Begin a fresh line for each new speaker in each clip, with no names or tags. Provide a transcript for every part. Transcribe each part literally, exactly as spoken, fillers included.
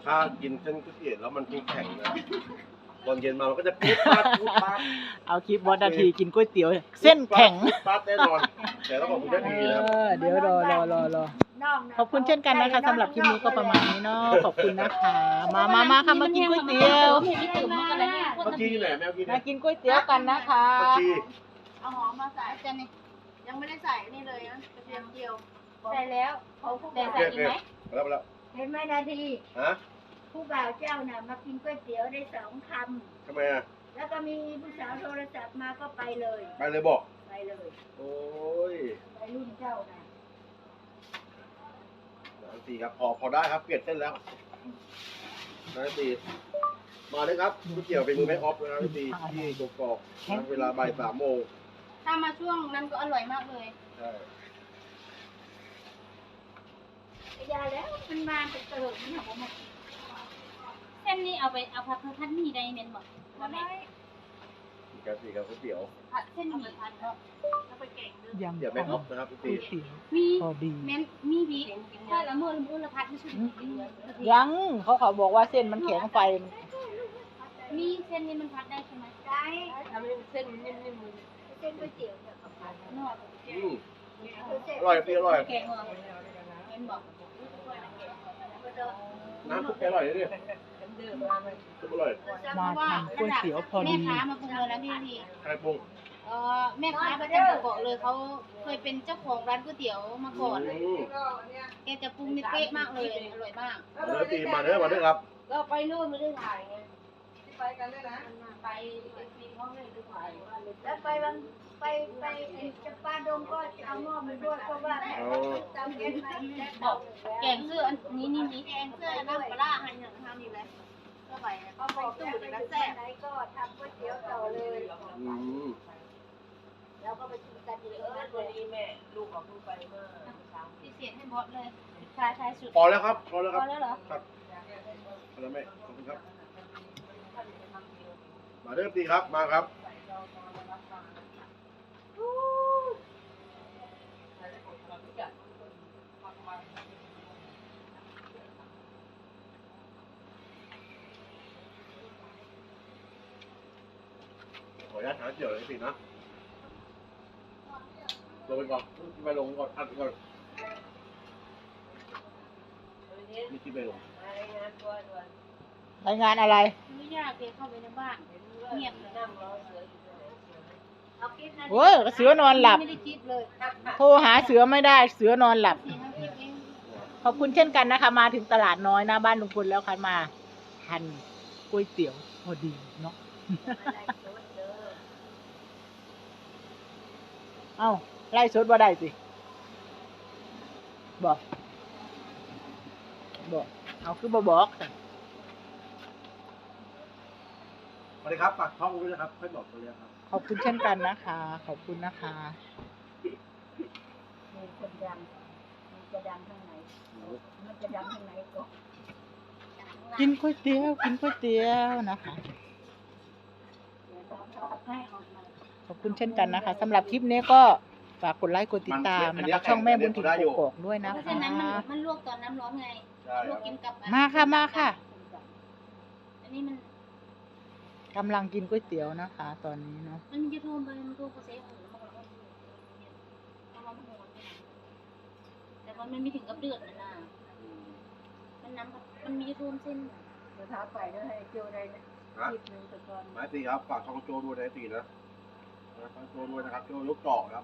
ถ้ากินเส้นก๋วยเตี๋ยวแล้วมันแข็งนะตอนเย็นมามันก็จะปุ๊บปั๊บปุ๊บปั๊บ
เอาคลิปวัดนาทีกินก๋วยเตี๋ยว เส้นแข็ง
ปุ๊บปั๊บแน่นอนแต่ต้องขอบคุณนาทีนะครับ
เออเดี๋ยวรอรอรอรอขอบคุณเช่นกันนะคะสำหรับคลิปนี้ก็ประมาณนี้เนาะขอบคุณนะคะ มามามาค่ะมากินก๋วยเตี๋ยว
เมื่อกี้อยู่ไหนแมวกินไหน
มากินก๋วยเตี๋ยวกันนะคะ
เมื่อกี้
เอาหอมมาใส่จานนี่ยังไม่ได้ใส่นี่เลยนะกระเทียมเจียวใส่แล้วเขาผู้
โอ
บ่าว
เคโอเคมาแล้วมาแล้ว
เห็นไหมนาที
ฮะ
ผู้บ่าวเจ้าน่ะมากินก๋วยเตี๋ยวได้สองค
ทำไมอ่ะ
ำแล้วก็มีผู้สาวโทรศัพท์มาก็ไปเลย
ไปเลยบอก
ไปเลย
โอ้ย
ไปรุ่นเจ้าน่ะ
นาทีครับพอพอได้ครับเปลี่ยนเส้นแล้วนาทีมาเลยครับก๋วยเตี๋ยวเป็นมือแม่ออฟนะนาทีที่กกอกนะเวลาบ่ายสามโมง
ถ้ามาช่วงนั้นก็อร่อยมากเลย
ใช่
ยาแล้วมันมาเป็นเติมเนี่ยผมบอก
เส้นนี้เอาไปเอาผัดพัดหมี่ได้เน้นบอกว่าแม่
มีการสีกับก๋วยเตี๋ยว
ผัดเส้นหมี่ผัดเนาะแล้วไปแกงด้วย
ยัง
เดี๋ยวแม่ออฟนะครับนา
ก๋
ที
วยเตี๋ยว
มี
พอดี
เม้นมีบีถ้าละเมื่อละเมื่อละพัดไม่ใช่
ยังเขาเขาบอกว่าเส้นมันแข็งไฟ
มีเส้นนี้มันพัดได้ใช่ไหม
ได้
ทำให้เส้นนิ่ม
เส้นก๋วยเตี๋ยวเนี่ยกับผัด
ๆนอก
อืมอร่อยพี่อร่อย
แกงเหรอเม้นบอก
น้ำซุปแกอร่อยเลยเนี่ยซุปอร่อย
มาทานก๋วยเตี๋ยวพอ
แม่
ดี
ค้ามาปรุงเลยนะพี่ที
ใครปรุง
เออแม่ค้าประจำเกาะเลยเขาเคยเป็นเจ้าของร้านก๋วยเตี๋ยวมาก่อน
อืม
แกจะปรุงนี่เป๊ะมากเลยอร่อยมาก
มาเด้อตีมาเด้อมาเด้อครับ
เราไปนู่นไม่ได้ถ่ายไงไปกันด้วยนะไปปีนห้องไม่ได้ถ่าย
แล้วไปบางไปไปไอ้จะปาดงก็จะเอาหม้อมาด้วยเพราะว่าแม่ตามเย็นไปแล้ว
บอกแกงเสื้ออันนี้นี่นี่แกงเสื้อน้ำปลาหันอย่างทำนี่เลยก็ไปก็
เขา
บบ อ
อก ก
ตู้
แล้ว
เดี๋ยว
ไป
แล้ว
อยู่
แซ่
ที่ไหนก็ทำก๋วยเตี๋ยวต่อเลย
อืม
แล้วก็ไปกินกันอยู่ตรงนั้นเลย
พิเศษให้บอสเลยชายชายสุด
พอแล้วครับพอแล้ว
พ
ครั
อบ แล้วเหรอ
ครับพอแล้วแม่ขอบคุณครับมาเด้อตีครับมาครับขออนุญาตหาเดี๋ยวเลยสินะลงไปก่อนไปลงก่อนอัดก่อนนี่ที่ไปลง
รายงานอะไร
ไม่ยากเลยเข้าไปในบ้านเงียบเลย
เอาคลิปนั้น
โอ้ยเสือนอนหลับ
ไม่ได้คิดเลย
โทรหาเสือไม่ได้ เสือนอนหลับ
สี่ห้าคลิปเอง
ขอบคุณเช่นกันนะคะ มาถึงตลาดน้อยหน้าบ้านลุงพลแล้วค่ะมาทานก๋วยเตี๋ยวพอดีเนาะ เอ้าไล่สดว่าได้สิบอกบอกเอาคือบ่บอกจ้ะ
สวัสดีครับฝากช่องด้วยนะครับค่อยบอกตัวเลยครับ
ขอบคุณเช่นกันนะคะ ขอบคุณนะคะ
มีคนดังมันจะดังทางไหนมันจะดังทางไหนก็
กินก๋วยเตี๋ยวกินก๋วยเตี๋ยวนะคะ
ให้ออกมา
ขอบคุณเช่นกันนะคะสำหรับคลิปนี้ก็ฝากกดไลค์กดติดตามนะคะช่องแม่บุญถิ่นกกอกด้วยนะ
เพราะ
คะ
ฉะนั้นมันมันลวกตอนน้ำร้อนไง
ใช่
ล
คว รั
ก
บ
กินกับ
มาค่ะมาค่ะ
อันนี้มัน
กำลังกินก๋วยเตี๋ยวนะคะ ตอนนี้เนาะ
มันมียูทูบไปมันดูโปรเซสของมันก็เอามาโหดแต่ว่ามันไม่ถึงกับเดือดนะนะมันน้ำมันมียูทูบเส้น
เดี๋ยวท้าไปแล้วให้เจียวได้นะ
นะ
คลิปหนึงแต่ก่อน
หมายตีครับฝากช่องโจด้วยนะตีนะนะช่องโจด้วยนะครับโจยกเกาะครับ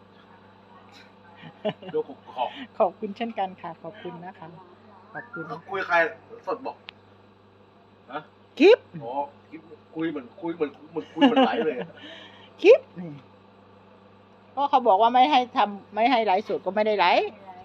โจกกอก
ขอบคุณเช่นกันค่ะ ขอบคุณนะคะ ขอบคุณ
ก็คุยใครสดบอกฮะ
คลิป
อ๋อคิดคุยเหมือนคุยเหมือนเหมือนคุยเหมือนไหลเลย
คลิปนี่ก็เขาบอกว่าไม่ให้ทำไม่ให้ไลฟ์สดก็ไม่ได้ไลฟ์
ไม่ไร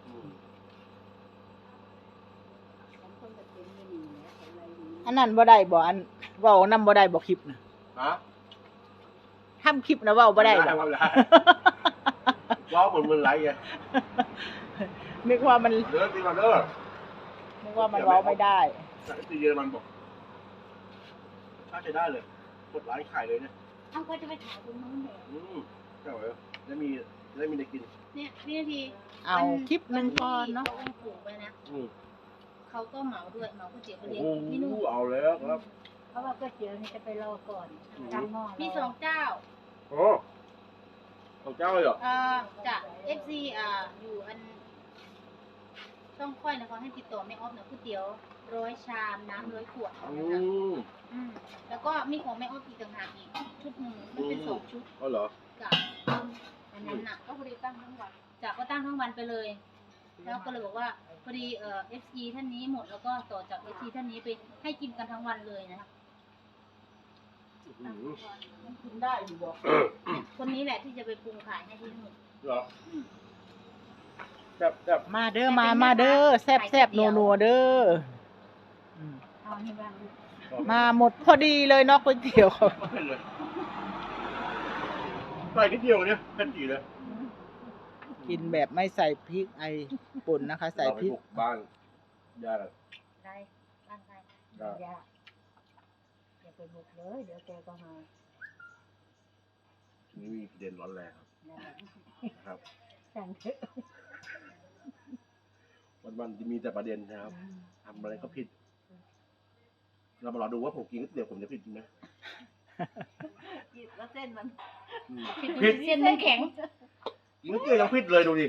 ผมคนจะเป็นไม่ดีนะอะไรดี
อันนั้นบ่ได้บ่อันเว้านำบ่ได้บ่คลิปนะ
ฮะ
ทำคลิปนะเว้าบ่ได้ดอก
ไม่ได้ว้าวเหมือนเหมือนไหลไง
นึกว่ามัน
เด้อตีมาเด้อ
นึกว่ามันเว้าไม่ได้
ตีเยอรมันบอกถ้าจะได้เลยกดไลค์ขายเลยเนี่ย
เอาก็จะไปถ่ายคุณน้องเหรอ
อืมใช่ไหมได้มีได้มีได้กิน
เนี่ยวินาที
เอาคลิปหนึ่งก่อนเนาะ
เขาปลูกไปนะ
อืม
เขาเขาก็เหมาด้วยเหมาก๋วยเตี๋ยวไป
โอ้
เลี้ยงที่นู่น
โหเอาแล้วครับ
เพราะว่าก๋วยเตี๋ยวนี่จะไปรอก่อนตั้งหม้อร
มีสองเจ้า
โอ้ของเจ้าเลยเหรอ
เอ่อจาก เอฟ ซี อ่าอยู่อันต้องค่อยนะเขาให้ติดต่อแม่ออฟนะก๋วยเตี๋ยวร้อยชามน้ำร้อยขวด
อื
นะคะ
ม
อืมแล้วก็มีของแม่ออฟอีกต่างหากอีกชุดหนึ่งมันเป็นสองชุด
เอาเหรอ
กับอันนั้นน่ะก็พอดีตั้งทั้งวันจากก็ตั้งทั้งวันไปเลย แล้วก็เลยบอกว่าพอดีเอ่อ เอฟ ซี ท่านนี้หมดแล้วก็ต่อจาก เอฟ ซี ท่านนี้ไปให้กินกันทั้งวันเลยนะคะ
อืม
กินได้อยู่บ่
คนนี้แหละที่จะไปปรุงขายให้ที่นู่น
เหรอแซ่บแซ่บ
มาเด้อมามาเด้อแซ่บแซ่บนัวนัวเด้ออืม
เอานี่บ้าง
มาหมดพอดีเลยเนาะก๋วยเตี๋ยว
ไม่เป็นเลยใส่นิดเดียวเนี่ยเผ็ดจีเลย
กินแบบไม่ใส่พริกไอป่นนะคะ ใส่
เราไป
พริก
บุกบ้านญาติ
ได้บ้านใคร
ก็
อย่าอย่าไปบุกเลยเดี๋ยวแกก็มา
ทีนี้มีประเด็นร้อนแรงครับ
สั่งเถอะ
วันวันๆจะมีแต่ประเด็นนะครับทำอะไรก็ผิด เรามารอดูว่าผมกินก๋วยเตี๋ยวผมจะผิดไหม
แล้วเส้นมัน
อืม
ผิดเส้นมันแข็ง
กินก๋วยเตี๋ยวยังผิดเลยดูดิ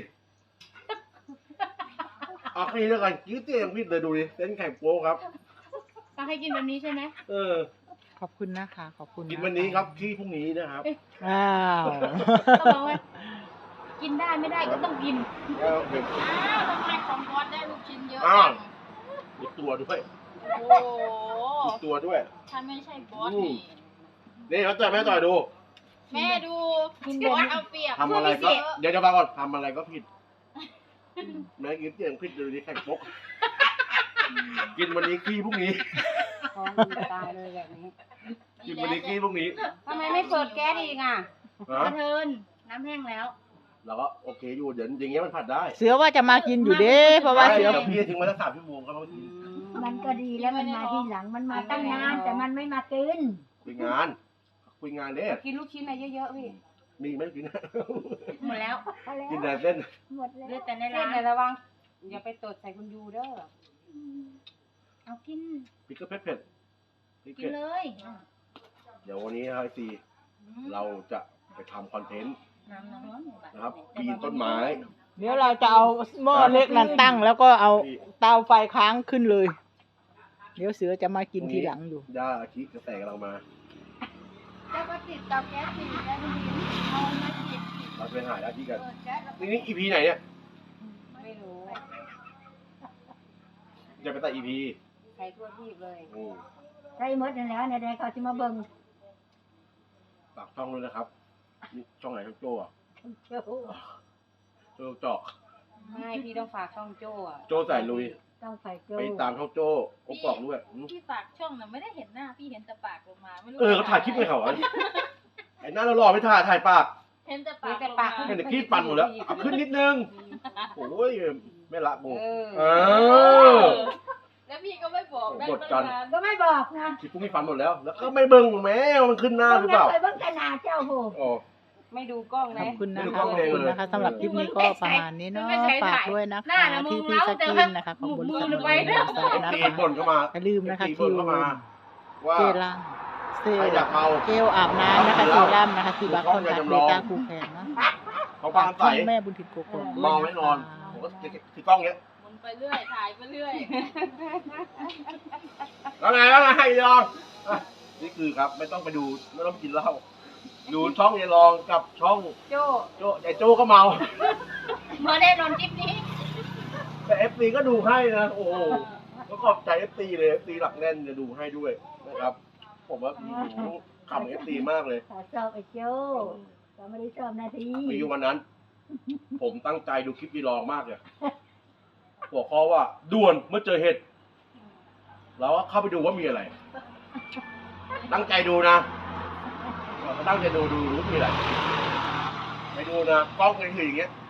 เอาแค่นี้แล้วกันกินก๋วยเตี๋ยวยังผิดเลยดูดิเส้นแข็งโป๊ครับ
ก็ให้กินแบบนี้ใช่ไหม
เออ
ขอบคุณนะคะ ขอบคุณ
กินวันนี้ครับที่พรุ่งนี้นะครับ
อ้าว
ก็บอกว่ากินได้ไม่ได้ก็ต้องกิน
แล้วเดี๋ยว
อ้าวทำไมของบอสได้ลูกชิ้นเยอะ
อ้า
จั
ว
ง
มีตัวด้วย
โอ้โห
มีตัวด้วย
ถ้าไม่ใช่บอส
อืม
นี่
นี่เขาจ่ายแม่ต่อยดู
แม่ดูบอสเอาเปรียบ
ทำอะไรก็
พิเศษ
เดี๋ยวจะมาก่อนทำอะไรก็ผิดแม่กินเตี๋ยวผิดเลยดิแข่งปกกินวันนี้ขี้พรุ่งนี้
ท้องมันตายเลยแบบนี้
กินวันนี้ขี้พรุ่งนี้
ทำไมไม่เปิดแก๊สอีกอ่ะ
ฮะ
กระเทินน้ำแห้งแล้ว
เราก็โอเคอยู่เดี๋ยวอย่างเงี้ยมันผัดได้
เสือว่าจะมากินอยู่เด้เพราะว่าเสือ
ดี๋ยวพี่ทิ้งไว้สักสามชั่วโมงก็ต้องกิน
มันก็ดีแล้วมันมาที่หลังมันมาตั้งนานแต่มันไม่มากิน
คุยงานคุยงานเด้
กินลูกชิ้นอะไรเยอะๆพี่
มีไหมกิน
หมดแล้ว
พอแล้ว
กินแต่เส้น
หมดแล้ว
เหลือแต่ใน
เส้
ร้าน น
แต่ระวังอย่าไปตดใส่คุณยูเด้อ
เอากิน
พริกก็เผ็ดเผ็ดพริก
กิ
เผ็
น
ด
เลย
เดี๋ยววันนี้นะครับไอซีเราจะไปทำคอนเทนต์
น้ำร้อน
นะครับปีนต้นไม้
เดี๋ยวเราจะเอาหม้อเล็กนั้นตั้ง แล้วก็เอาเตาไฟค้างขึ้นเลย เดี๋ยวเสือจะมากินทีหลังอยู่
ย่าอาชิกระแตกำลังมา
แล้วก็ติดเตาแก๊สสิได้ไม่ดีเอามาติด
เราไปหาอาชิกัน
เปิดแก๊สแล้ว
นี่นี่อีพีไหนเนี่ย
ไม่รู้
จะไปตัดอีพี
ใส่ทั่วที่เลย
อืม
ใส่หมดนั่นแหล้วในใดเขาจะมาเบิ่ง
ฝากช่องด้วยนะครับนี่ช่องไหนช่องโจ้อะ
โจ้
โจ้เจาะ
ไม่พี่ต้องฝากช่องโจ้อะ
โจ้ใส่ลุย
ต้องใส่โจ้
ไปตามช่องโจ้กบกอกด้วยอืม
พี่ฝากช่องน่ะไม่ได้เห็นหน้า พี่เห็นแต่ปากลงมาไม่รู้
เออเขาถ่ายคลิปให้เขาอะไอ้หน้าเราหล่อไม่ถ่ายถ่ายปาก
เห็นแต่
มี
ปาก
แต่ปาก
เห็นแต่ขี้ปั่นหมดแล้วเอาขึ้นนิดนึงโอ้ยไม่ละกู
เออ
เออ
แล้วพี่ก็ไม่บอกได้
กดกัน
ตั้งนาน
ก็ไม่บอกนะ
คลิปพวกนี้ฟันหมดแล้ว แล้วก็ไม่เบิ่งแม้ว่ามันขึ้นหน้าหรือเปล่า
ไปเบิ่งขนาดเจ้าโห
อ๋อ
ไม่ดูกล้อง
ข
นะ
อบคุณนะ
ไม่
คะ
รู้
ข
ว่า
อบคุณ
เลย
นะคะสำหรับคลิปนี้ก็ประมาณนี้เนาะฝากด้วยนะ
หน้า
คะ
น่ะมึ
ที่
ง
พี่
เล้า
ส
แต่
กิ
ว่าน
นะคะขอบคุณ
มือ
สำห
ล
รับ
งไป
การ
แล้ว
ติดตามนะ
ตี
คะ
บ่นเข้ามา
อย่าลืมนะคะ
ตี
คิ
บ่น
ว
เข้ามา ว่า
เจลังเซล
ใครอยากเมา
เจลอาบน้ำนะคะเซรั่มนะคะที่บัคคอนทักเบต้าคูแคนเนาะ
เขา
ฝา
ฟั
ก
ง
ช่อ
ใส่
งแม่บุญถิ่นโกโก้
เมาไม่นอน ผมก็ถือกล้องเนี้ย
หมุนไปเรื่อย ถ่ายไปเรื่อย
แล้วไงแล้วไงให้ลองอ่ะนี่คือครับ ไม่ต้องไปดู ไม่ต้องไปกินเหล้า ดูช่องยายลองกับช่อง
โจ้
โจ้ยายโจ้ก็เมา
มาแน่นอนคลิปนี้
แต่เอฟซีก็ดูให้นะ โอ้โหก็ขอบใจเอฟซีเลยเอฟซีหลักแน่นจะดูให้ด้วยนะครับ ผมว่าขำเอฟซีมากเลย
ขอชอบไอ้โจ้ก็ไม่ได้ชอบนาที
มีอยู่วันนั้น ผมตั้งใจดูคลิปยายลองมากเลยหัวข้อว่าด่วนเมื่อเจอเห็ดแล้วเข้าไปดูว่ามีอะไร ตั้งใจดูนะตั้งใจดูดูรู้มีอะไรไปดูนะกล้องเลยคืออย่างเงี้ย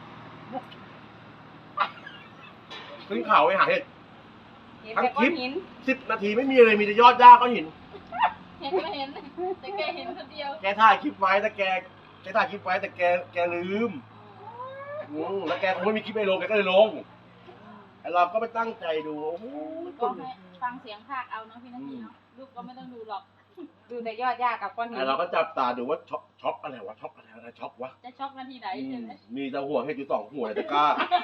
ขึ้นเขาไปหาเห็ด
เห็นแต่ก้อนหิน
สิบนาทีไม่มีอะไรมีแต่ยอดหญ้าก้อนหิน
เห็นไม่เห็น แต่แกเห็นคนเดียว
แกถ่ายคลิปไว้แต่แกแกถ่ายคลิปไว้แต่แกแกลืมอืมแล้วแกคงไม่มีคลิปไปลงแกก็เลยลง ไอเราก็ไปตั้งใจดูโอ้โห
ก็ให้ฟังเสียงภาคเอาเนาะพี่นาทีเนาะลูกก็ไม่ต้องดูหรอก
ดูแต่ยอดหญ้ากับก้อนหิ
ไอ้
น
เราก็จับตาดูว่าช็อกช็อกอะไรวะช็อกอะไรอะไรช็อกวะ
จะช็อกนาทีไหน
อื
ใช่
ม
ไหม
มีแต่หัวเห็ดอยู่สองหัวเลยตะกร้า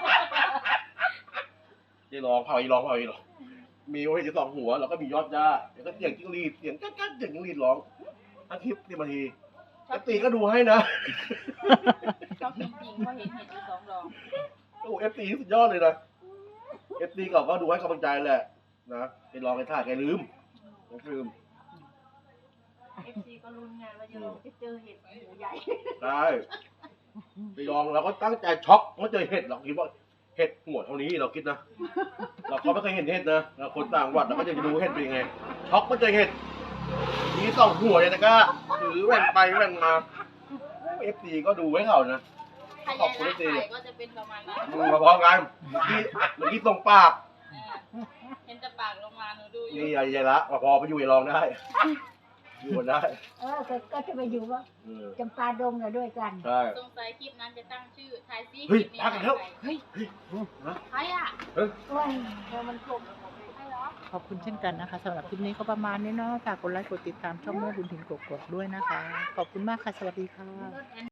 ที่ร้องเผาอีร้องเผาอีร้องมีหัวเห็ดอยู่สองหัวแล้วก็มียอดหญ้าแล้วก็เสียงจิ้งหรีดเสียงกั๊กกั๊กเสียงจิ้งหรีดร้องทั้งคลิปสิบนาทีเอฟตีก็ดูให้นะ
ช็อกจริงๆเพราะเห็นเห็ดอยู่สองดอก
โอ้เอฟตีสุดยอดเลยนะเอฟตีเขาก็ดูให้กำลังใจแหละนะไปลองไปถ่ายแกลืมแกลืม
เอฟซีก็ลุ้นไงว่าจะจะเจอเห็ดหมูใหญ่
ใช่ไปลองเราก็ตั้งใจช็อกเมื่อเจอเห็ดเราคิดว่าเห็ดหัวเท่านี้เราคิดนะเราก็ไม่เคยเห็นเห็ดนะเราคนต่างจังหวัดเราก็จะไปดูเห็ดเป็นยังไงช็อกเมื่อเจอเห็ดมีสองหัวเลยนะก็ถือแหว่งไปแหว่งมาเอฟซีก็ดูไว้เขานะ
ถ้ายายรักถ่ายก็จะเป็นประมาณนั้น
มึงมาพร้อมกันเมื่อกี้เมื่อกี้ตรงปาก
เออเห็นแต่ปากลงมาหนูดูอยู่
นี่ยายยายละมาพอไปอยู่ยายลองได้อยู่กันได้
เออก็ก็จะไปอยู่ว่า
เออ
จำปาดงน่ะด้วยกัน
ใช่
สงสัยคลิปนั้นจะตั้งชื่อทายซี่
เฮ้ย
คลิปนี้
พักกันแล้ว
เฮ้ย
นะ
ใครอ่ะ
เฮ้ย
โอ้ยเธอมันคม
ใครเหรอ
ขอบคุณเช่นกันนะคะสำหรับคลิปนี้ก็ประมาณนี้เนาะฝากกดไลค์กดติดตามช่องแม่บุญถิ่นกกอกด้วยนะคะ ขอบคุณมากค่ะ สวัสดีค่ะ
รถแอน